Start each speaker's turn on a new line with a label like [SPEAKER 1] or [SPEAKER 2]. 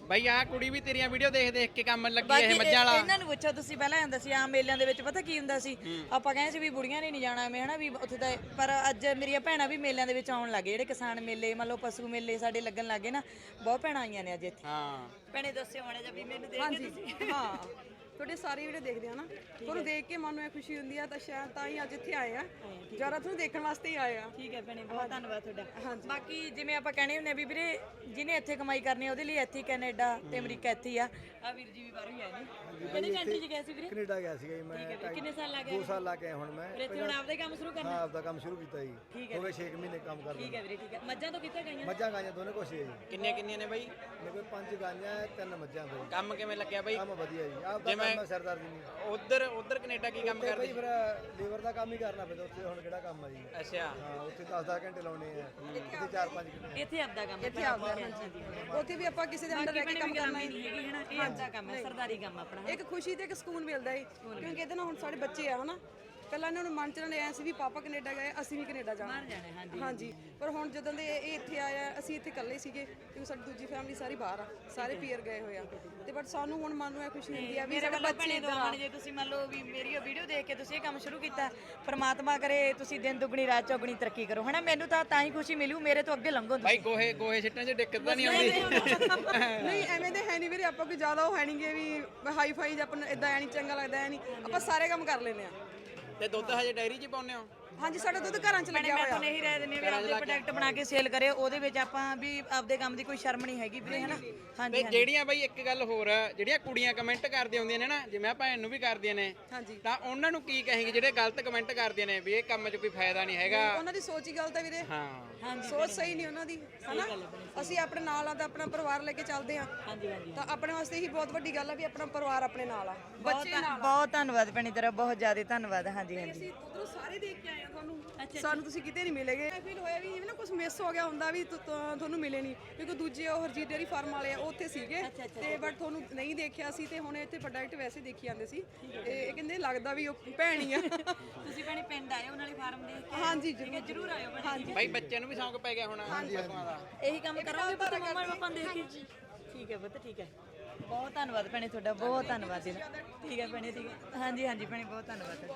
[SPEAKER 1] ਬਾਈ ਆਹ ਕੁੜੀ ਵੀ ਤੇਰੀਆਂ ਵੀਡੀਓ ਦੇਖ ਦੇਖ ਕੇ ਕੰਮ ਲੱਗੀ ਇਹ ਮੱਝਾਂ ਵਾਲਾ।
[SPEAKER 2] ਇਹਨਾਂ ਨੂੰ ਪੁੱਛੋ ਤੁਸੀਂ, ਪਹਿਲਾਂ ਹੁੰਦਾ ਸੀ ਆਮ ਮੇਲਿਆਂ ਦੇ ਵਿੱਚ ਪਤਾ ਕੀ ਹੁੰਦਾ ਸੀ, ਆਪਾਂ ਕਹਿੰਦੇ ਸੀ ਵੀ ਬੁੜੀਆਂ ਨੇ ਨਹੀਂ ਜਾਣਾ ਐਵੇਂ ਹਨਾ ਵੀ ਉੱਥੇ ਤਾਂ, ਪਰ ਅੱਜ ਮੇਰੀਆਂ ਭੈਣਾਂ ਵੀ ਮੇਲਿਆਂ ਦੇ ਵਿੱਚ ਆਉਣ ਲੱਗੇ, ਜਿਹੜੇ ਕਿਸਾਨ ਮੇਲੇ ਮੰਨ ਲਓ ਪਸ਼ੂ ਮੇਲੇ ਸਾਡੇ ਲੱਗਣ ਲੱਗੇ ਨਾ, ਬਹੁਤ ਭੈਣਾਂ ਆਈਆਂ ਨੇ ਅੱਜ ਇੱਥੇ।
[SPEAKER 1] ਹਾਂ
[SPEAKER 2] ਭੈਣੇ ਦੱਸਿਓ ਮਾੜਾ ਜਿਹਾ ਵੀ ਮੈਨੂੰ ਦੇਖ ਕੇ ਤੁਸੀਂ।
[SPEAKER 3] ਹਾਂ ਤੁਹਾਡੇ ਸਾਰੇ ਵੀਡੀਓ ਦੇਖਦੇ ਆ ਨਾ, ਤੁਹਾਨੂੰ ਦੇਖ ਕੇ ਮਨ ਨੂੰ ਇਹ ਖੁਸ਼ੀ ਹੁੰਦੀ ਆ, ਤਾਂ ਸ਼ਾਇਦ ਤਾਂ ਹੀ ਅੱਜ ਇੱਥੇ ਆਏ ਆ, ਜ਼ਿਆਦਾ ਤੁਹਾਨੂੰ ਦੇਖਣ ਵਾਸਤੇ ਹੀ ਆਏ ਆ।
[SPEAKER 2] ਠੀਕ ਹੈ ਭੈਣੇ, ਬਹੁਤ ਧੰਨਵਾਦ ਤੁਹਾਡਾ। ਬਾਕੀ ਜਿਵੇਂ ਆਪਾਂ ਕਹਿੰਦੇ ਹੁੰਦੇ ਵੀ ਵੀਰੇ ਜਿਹਨੇ ਇੱਥੇ ਕਮਾਈ ਕਰਨੀ ਆ ਉਹਦੇ ਲਈ ਇੱਥੇ ਕੈਨੇਡਾ ਤੇ ਅਮਰੀਕਾ ਇੱਥੇ ਹੀ ਆ। ਆ ਵੀਰ ਜੀ ਵੀ ਬਾਹਰੋਂ ਹੀ ਆਏ ਨੇ। ਕਿਹੜੀ ਕੰਟਰੀ 'ਚ ਗਏ ਸੀ ਵੀਰੇ?
[SPEAKER 4] ਕੈਨੇਡਾ ਗਿਆ ਸੀਗਾ ਜੀ ਮੈਂ।
[SPEAKER 2] ਠੀਕ ਹੈ, ਕਿੰਨੇ ਸਾਲ ਲੱਗ ਗਏ?
[SPEAKER 4] 2 ਸਾਲ ਲਾ ਕੇ ਆਇਆ ਹੁਣ ਮੈਂ।
[SPEAKER 2] ਫਿਰ ਇੱਥੇ ਹੁਣ ਆਪਦਾ ਹੀ ਕੰਮ ਸ਼ੁਰੂ ਕਰਨਾ?
[SPEAKER 4] ਹਾਂ ਆਪਦਾ ਕੰਮ ਸ਼ੁਰੂ ਕੀਤਾ ਜੀ।
[SPEAKER 2] ਠੀਕ ਹੈ।
[SPEAKER 4] ਹੋ ਗਏ 6 ਮਹੀਨੇ ਕੰਮ ਕਰਦੇ।
[SPEAKER 2] ਠੀਕ ਹੈ ਵੀਰੇ, ਠੀਕ ਹੈ। ਮੱਝਾਂ ਤੋਂ ਕਿੱਥੇ ਗਈਆਂ?
[SPEAKER 4] ਮੱਝਾਂ ਗਾਈਆਂ ਦੋਨੇ ਕੁਛ ਹੀ ਹੈ ਜੀ।
[SPEAKER 1] ਕਿੰਨੀਆਂ ਨੇ ਬਾਈ?
[SPEAKER 4] ਮੇਰੇ ਕੋਲ 5 ਗਾਈਆਂ 3 ਮੱਝਾਂ ਦੇ।
[SPEAKER 1] ਕੰਮ ਕਿਵੇਂ ਲੱਗਿਆ ਬਾਈ?
[SPEAKER 4] ਕੰਮ ਵਧੀਆ ਜੀ। ਆਪਦਾ ਕੰਮ ਸਰਦਾਰ ਜੀ ਨਹੀਂ।
[SPEAKER 1] ਉਧਰ ਕੈਨੇਡਾ ਕੀ ਕੰਮ
[SPEAKER 4] ਤੇ
[SPEAKER 1] ਕਰਦੇ?
[SPEAKER 4] ਬਈ ਫਿਰ ਲੇਬਰ ਦਾ ਕੰਮ ਹੀ ਕਰਨਾ ਪੈਂਦਾ ਉੱਥੇ। ਹੁਣ ਕਿਹੜਾ ਕੰਮ ਆ ਜੀ?
[SPEAKER 1] ਅੱਛਾ
[SPEAKER 4] ਹਾਂ ਉੱਥੇ 10-10 ਘੰਟੇ ਲਾਉਣੇ ਆ, ਇੱਥੇ 4-5 ਘੰਟੇ।
[SPEAKER 2] ਇੱਥੇ ਆਪਦਾ ਕੰਮ
[SPEAKER 3] ਇੱਥੇ ਆਪਦਾ, ਉੱਥੇ ਵੀ ਆਪਾਂ ਕਿਸੇ ਦੇ ਅੰਡਰ ਰਹਿ ਕੇ ਕੰਮ ਕਰਨਾ
[SPEAKER 2] ਨਹੀਂ ਹੈਗੀ ਹੈ ਨਾ, ਇਹ ਆਪਦਾ ਕੰਮ ਹੈ, ਸਰਦਾਰੀ ਕੰਮ ਆਪਣਾ।
[SPEAKER 3] ਇੱਕ ਖੁਸ਼ੀ ਤੇ ਇੱਕ ਸਕੂਨ ਮਿਲਦਾ ਹੈ, ਕਿਉਂਕਿ ਇਹਦੇ ਨਾਲ ਹੁਣ ਸਾਡੇ ਬੱਚੇ ਆ ਹਨਾ, ਪਹਿਲਾਂ ਇਹਨਾਂ ਨੂੰ ਮਨ ਚ ਐ ਸੀ ਵੀ ਪਾਪਾ ਕੈਨੇਡਾ ਗਏ, ਅਸੀਂ ਵੀ ਕੈਨੇਡਾ ਜਾਣਾ। ਹਾਂਜੀ, ਪਰ ਹੁਣ ਜਦੋਂ ਦੇ ਇਹ ਇੱਥੇ ਆਇਆ, ਅਸੀਂ ਇੱਥੇ ਇਕੱਲੇ ਸੀਗੇ ਕਿਉਂਕਿ ਸਾਡੀ ਦੂਜੀ ਫੈਮਿਲੀ ਸਾਰੀ ਬਾਹਰ ਆ, ਸਾਰੇ ਪੀਅਰ ਗਏ ਹੋਏ ਆ, ਤੇ ਬਟ ਸਾਨੂੰ ਹੁਣ ਮਨ ਨੂੰ ਇਹ ਖੁਸ਼ੀ ਹੁੰਦੀ ਆ ਵੀ ਸਾਡੇ ਬੱਚੇ ਇੱਧਰ ਆ।
[SPEAKER 2] ਜੇ ਤੁਸੀਂ ਮੰਨ ਲਓ ਵੀ ਮੇਰੀ ਵੀਡੀਓ ਦੇਖ ਕੇ ਤੁਸੀਂ ਇਹ ਕੰਮ ਸ਼ੁਰੂ ਕੀਤਾ, ਪ੍ਰਮਾਤਮਾ ਕਰੇ ਤੁਸੀਂ ਦਿਨ ਦੁੱਗਣੀ ਰਾਤ ਚੌਗਣੀ ਤਰੱਕੀ ਕਰੋ ਹਨਾ। ਮੈਨੂੰ ਤਾਂ ਹੀ ਖੁਸ਼ੀ ਮਿਲੂ, ਮੇਰੇ ਤੋਂ ਅੱਗੇ ਲੰਘੋ
[SPEAKER 1] ਬਾਈ। ਗੋਹੇ ਸਿੱਟਣ 'ਚ ਦਿੱਕਤ ਤਾਂ ਨਹੀਂ ਆਉਂਦੀ?
[SPEAKER 3] ਨਹੀਂ ਐਵੇਂ ਦੇ ਹੈ ਨਹੀਂ ਵੀਰੇ, ਆਪਾਂ ਕੋਈ ਜ਼ਿਆਦਾ ਉਹ ਹੈ ਨਹੀਂਗੇ ਵੀ ਹਾਈ ਫਾਈ ਜਾਂ ਆਪਾਂ ਇਦਾਂ ਐ ਨਹੀਂ ਚੰਗਾ ਲੱਗਦਾ, ਐ ਨਹੀਂ, ਆਪਾਂ ਸਾਰੇ ਕੰਮ ਕਰ ਲੈਂਦੇ ਆ।
[SPEAKER 1] ਤੇ ਦੁੱਧ ਹਜੇ ਡਾਇਰੀ 'ਚ ਪਾਉਂਦੇ ਹੋ?
[SPEAKER 3] ਹਾਂਜੀ ਸਾਡਾ ਦੁੱਧ ਘਰਾਂ 'ਚ ਲੱਗਿਆ
[SPEAKER 2] ਮੈਂ
[SPEAKER 3] ਹੋਇਆ।
[SPEAKER 2] ਤੁਹਾਨੂੰ ਇਹੀ ਰਾਏ ਦਿੰਦੀ ਹਾਂ ਵੀ ਆਪਦੇ ਪ੍ਰੋਡਕਟ ਬਣਾ ਕੇ ਸੇਲ ਕਰੇ, ਉਹਦੇ ਵਿੱਚ ਆਪਾਂ ਵੀ ਆਪਦੇ ਕੰਮ ਦੀ ਕੋਈ ਸ਼ਰਮ ਨਹੀਂ ਹੈਗੀ ਵੀਰੇ ਹਨਾ।
[SPEAKER 1] ਤੇ ਜਿਹੜੀਆਂ ਬਾਈ ਇੱਕ ਗੱਲ ਹੋਰ ਆ, ਜਿਹੜੀਆਂ ਕੁੜੀਆਂ ਕਮੈਂਟ ਕਰਦੀਆਂ ਹੁੰਦੀਆਂ ਨੇ ਨਾ, ਜਿਵੇਂ ਆ ਭੈਣ ਨੂੰ ਵੀ ਕਰਦੀਆਂ ਨੇ, ਤਾਂ ਉਹਨਾਂ ਨੂੰ ਕੀ ਕਹੇਂਗੇ ਜਿਹੜੇ ਗਲਤ ਕਮੈਂਟ ਕਰਦੀਆਂ ਨੇ ਵੀ ਇਹ ਕੰਮ 'ਚ ਕੋਈ ਫਾਇਦਾ ਨਹੀਂ ਹੈਗਾ?
[SPEAKER 3] ਉਹਨਾਂ ਦੀ ਸੋਚ ਹੀ ਗਲਤ ਹੈ ਵੀਰੇ।
[SPEAKER 1] ਹਾਂ
[SPEAKER 3] ਸੋਚ ਸਹੀ ਨਹੀਂ ਉਹਨਾਂ ਦੀ ਹਨਾ। ਅਸੀਂ ਆਪਣੇ ਨਾਲ ਆ ਤਾਂ ਆਪਣਾ ਪਰਿਵਾਰ ਲੈ ਕੇ ਚੱਲਦੇ ਆ, ਤਾਂ ਆਪਣੇ ਵਾਸਤੇ ਹੀ ਬਹੁਤ ਵੱਡੀ ਗੱਲ ਆ ਵੀ ਆਪਣਾ ਪਰਿਵਾਰ ਆਪਣੇ ਨਾਲ ਆ, ਬੱਚੇ ਨਾਲ।
[SPEAKER 2] ਬਹੁਤ ਧੰਨਵਾਦ ਭੈਣੀ ਤੇਰਾ, ਬਹੁਤ ਜ਼ਿਆਦਾ ਧੰਨਵਾਦ। ਹਾਂਜੀ
[SPEAKER 3] ਅਸੀਂ ਉਧਰੋਂ ਸਾਰੇ ਦੇਖ ਕੇ ਆਏ ਆ ਤੁਹਾਨੂੰ, ਸਾਨੂੰ ਤੁਸੀਂ ਕਿਤੇ ਨਹੀਂ ਮਿਲੇਗੇ। ਫੀਲ ਹੋਇਆ ਵੀ ਜਿਵੇਂ ਨਾ ਕੁਝ ਮਿਸ ਹੋ ਗਿਆ ਹੁੰਦਾ ਵੀ ਤੁਹਾਨੂੰ ਮਿਲੇ ਨਹੀਂ, ਕਿਉਂਕਿ ਦੂਜੇ ਉਹ ਹਰਜੀਤ ਡੇਅਰੀ ਫਾਰਮ ਵਾਲੇ ਆ ਉਹ ਉੱਥੇ ਸੀਗੇ, ਤੇ ਬਟ ਤੁਹਾਨੂੰ ਨਹੀਂ ਦੇਖਿਆ ਸੀ, ਤੇ ਹੁਣ ਇੱਥੇ ਪ੍ਰੋਡਕਟ ਵੈਸੇ ਦੇਖੀ ਜਾਂਦੇ ਸੀ, ਤੇ ਇਹ ਕਹਿੰਦੇ ਲੱਗਦਾ ਵੀ ਉਹ ਭੈਣ ਹੀ ਆ।
[SPEAKER 2] ਤੁਸੀਂ ਭੈਣੇ ਪਿੰਡ ਆਏ ਉਹਨਾਂ ਵਾਲੀ ਫਾਰਮ ਦੇਖ ਕੇ?
[SPEAKER 3] ਹਾਂਜੀ
[SPEAKER 2] ਜ਼ਰੂਰ ਆਇਓ
[SPEAKER 3] ਹਾਂਜੀ
[SPEAKER 1] ਬਾਈ। ਬੱਚਿਆਂ ਨੂੰ ਵੀ ਸ਼ੌਂਕ ਪੈ ਗਿਆ ਹੋਣਾ ਪਸ਼ੂਆਂ ਦਾ?
[SPEAKER 2] ਇਹੀ ਕੰਮ ਕਰਾਂਗੇ ਪਰ ਮੰਮਾ ਪਾਪਾ ਦੇਖ ਕੇ। ਠੀਕ ਹੈ ਪੁੱਤ, ਠੀਕ ਹੈ। ਬਹੁਤ ਧੰਨਵਾਦ ਭੈਣੇ ਤੁਹਾਡਾ, ਬਹੁਤ ਧੰਨਵਾਦ ਜੀ। ਠੀਕ ਹੈ ਭੈਣੇ, ਠੀਕ ਹੈ। ਹਾਂਜੀ ਭੈਣੇ, ਬਹੁਤ ਧੰਨਵਾਦ।